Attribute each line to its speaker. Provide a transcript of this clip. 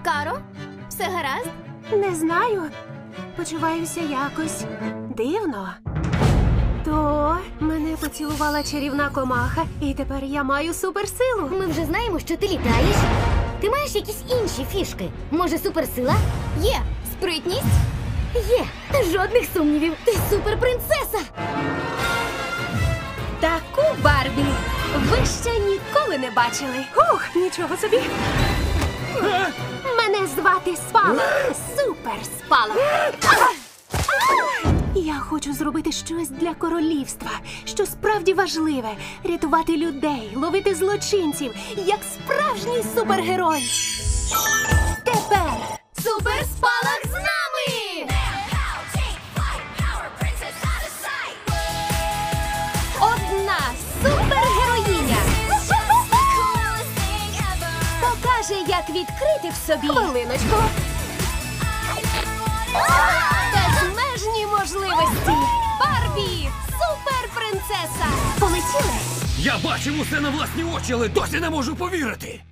Speaker 1: Каро, все гаразд?
Speaker 2: Не знаю. Почуваюся якось дивно. То мене поцілувала чарівна комаха, і тепер я маю суперсилу.
Speaker 3: Ми вже знаємо, що ти літаєш. Ти маєш якісь інші фішки? Може, суперсила?
Speaker 1: Є спритність.
Speaker 3: Є. Жодних сумнівів. Ти суперпринцеса.
Speaker 2: Таку Барбі ви ще ніколи не бачили. Ух, нічого собі. Мене звати Спалах. Супер Спалах. Я хочу зробити щось для королівства, що справді важливе. Рятувати людей, ловити злочинців, як справжній супергерой. Тепер
Speaker 1: Суперспалах з нами!
Speaker 2: одна супергероїня покаже, як відкрити в собі. Хвилиночку. Безмежні можливості. Барбі! Суперпринцеса! Полетіли!
Speaker 4: Я бачив усе на власні очі, але досі не можу повірити.